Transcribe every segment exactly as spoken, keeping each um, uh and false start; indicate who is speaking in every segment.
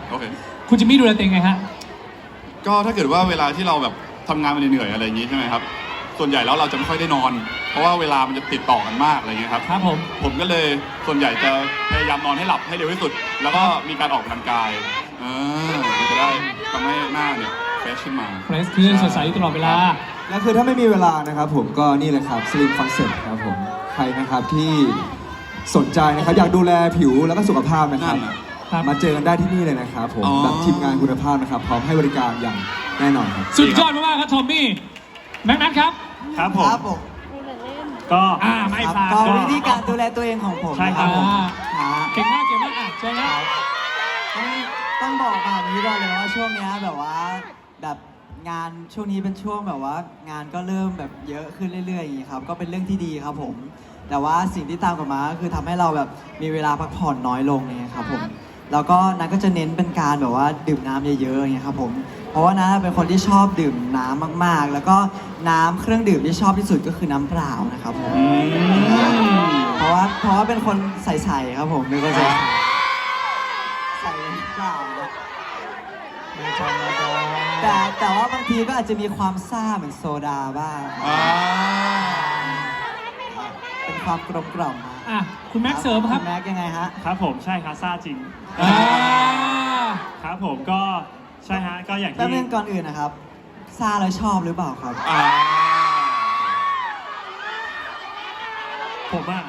Speaker 1: โอเค
Speaker 2: คุณจิมมี่ดูแลตัวเองไงฮะ
Speaker 1: ก็ถ้าเกิดว่าเวลาที่เราแบบทำงานมาเหนื่อยๆอะไรอย่างนี้ใช่ไหมครับส่วนใหญ่แล้วเราจะไม่ค่อยได้นอน เพราะว่าเวลามันจะติดต่อกันมากอะไรเงี้ยครับ
Speaker 2: ครับผม
Speaker 1: ผมก็เลยส่วนใหญ่จะพยายามนอนให้หลับให้เร็วที่สุดแล้วก็มีการออกกำลังกายเออมันจะได้ทำให้หน้าเนี่ยเฟรชขึ้นมา
Speaker 2: เฟรชขึ้นสดใสตลอดเวลา
Speaker 3: แล้วคือถ้าไม่มีเวลานะครับผมก็นี่เลยครับ Slim Concept ครับผมใครนะครับที่สนใจนะครับอยากดูแลผิวแล้วก็สุขภาพนะครับมาเจอกันได้ที่นี่เลยนะครับผมแบบทีมงานคุณภาพนะครับพร้อมให้บริการอย่างแน่นอนครับ
Speaker 2: สุดยอดมากๆครับทอมมี่แม็กนัทครับ
Speaker 4: ครับผมก็
Speaker 2: อ่าไม่พลาด
Speaker 5: ก็วิธีการดูแลตัวเองของผม
Speaker 4: ใช่ครับผม
Speaker 2: เก่งมากเก่งมากอ่ะเชิญครับ
Speaker 5: ต้องต้องบอกแบบนี้ก่อนเลยว่าช่วงนี้แบบว่าแบบงานช่วงนี้เป็นช่วงแบบว่างานก็เริ่มแบบเยอะขึ้นเรื่อยๆอย่างนี้ครับก็เป็นเรื่องที่ดีครับผมแต่ว่าสิ่งที่ตามกลับมาก็คือทำให้เราแบบมีเวลาพักผ่อนน้อยลงเนี่ยครับผมแล้วก็นัทก็จะเน้นเป็นการแบบว่าดื่มน้ำเยอะๆอย่างเงี้ยครับผมเพราะว่านัทเป็นคนที่ชอบดื่มน้ำมากๆแล้วก็น้ำเครื่องดื่มที่ชอบที่สุดก็คือน้ำเปล่านะครับผมเพราะว่าเพราะว่าเป็นคนใสๆครับผมเป็นคนใสใส่เปล่าแต่แต่ว่าบางทีก็อาจจะมีความซ่าเหมือนโซดาบ้างเป็นความกลมกล่อม
Speaker 2: อ่ะคุณแม็กเสริมครับ
Speaker 5: คุณแม็กยังไงฮะ
Speaker 4: ครับผมใช่ครับซ่าจริงครับผมก็ใช่ฮะก็อย่างที่
Speaker 5: แป๊บนึงก่อนอื่นนะครับซ่าแล้วชอบหรือเปล่าครับ
Speaker 4: ผมอ่ะ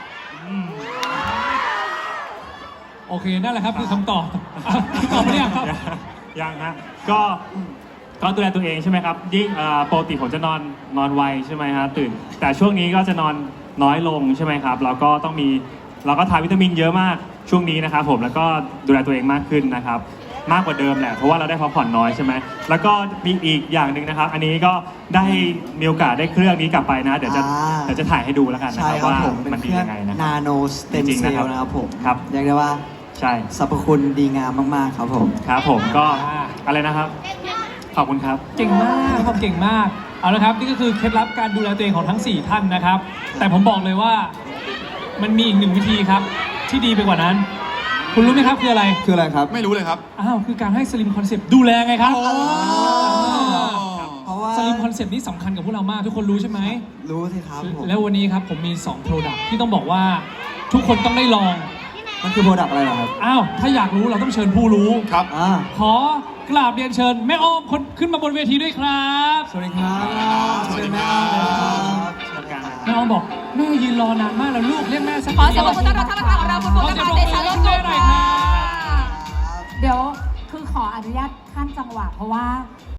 Speaker 2: โอเคนั่นแหละครับคือคำตอบคำตอบไม่ได้ครับ
Speaker 4: ยังฮะก็ก็ดูแลตัวเองใช่ไหมครับยิ่งปกติผมจะนอนนอนไวใช่ไหมฮะตื่นแต่ช่วงนี้ก็จะนอนน้อยลงใช่ไหมครับแล้วก็ต้องมีเราก็ทานวิตามินเยอะมากช่วงนี้นะครับผมแล้วก็ดูแลตัวเองมากขึ้นนะครับมากกว่าเดิมแหละเพราะว่าเราได้พักผ่อนน้อยใช่ไหมแล้วก็มีอีกอย่างหนึ่งนะครับอันนี้ก็ได้มีโอกาสได้เครื่องนี้กลับไปนะเดี๋ยวจะเดี๋ยวจะถ่ายให้ดูแล้วกันนะครับว่ามันดียังไงนะ
Speaker 5: นาโนสเต็มเซลล์นะครับผม
Speaker 4: ครับ
Speaker 5: เรียกได้ว่า
Speaker 4: ใช่
Speaker 5: สรรพคุณดีงามมากๆครับผม
Speaker 4: ครับผมก็อะไรนะครับขอบคุณครับ
Speaker 2: เก่งมากครับเก่งมากเอาละครับนี่ก็คือเคล็ดลับการดูแลตัวเองของทั้งสี่ท่านนะครับแต่ผมบอกเลยว่ามันมีอีกหนึ่งวิธีครับที่ดีไปกว่านั้นคุณรู้ไหมครับคืออะไร
Speaker 3: คืออะไรครับ
Speaker 1: ไม่รู้เลยครับ
Speaker 2: อ้าวคือการให้สลิมคอนเซปต์ดูแลไงครับ
Speaker 5: เพราะว่า
Speaker 2: สลิมคอนเซปต์นี้สำคัญกับพวกเรามากทุกคนรู้ใช่ไหม
Speaker 5: รู้สิครับ
Speaker 2: แล้ววันนี้ครับผมมีสองโปรดักต์ที่ต้องบอกว่าทุกคนต้องได้ลอง
Speaker 3: มันคือโปรดักต์อะไรเหรอครับ
Speaker 2: อ้าวถ้าอยากรู้เราต้องเชิญผู้รู้
Speaker 1: ครับ
Speaker 2: ขอกราบเรียนเชิญแม่อ้อมคนขึ้นมาบนเวทีด้วยครับ
Speaker 3: สวัสดีครับ
Speaker 5: สวัสดีแม่อ้อม
Speaker 2: แม่อ้อมบอกแม่ยืนรอนานมากแล้วลูกเรียกแม่สัก
Speaker 6: ขอเสียงปรบมือต้อนรับท่านประธานของเราคุณบุ๊คนะคะเดชาโลดกุลค่ะเดี๋ยวคือขออนุญาตขั้นจังหวะเพราะว่า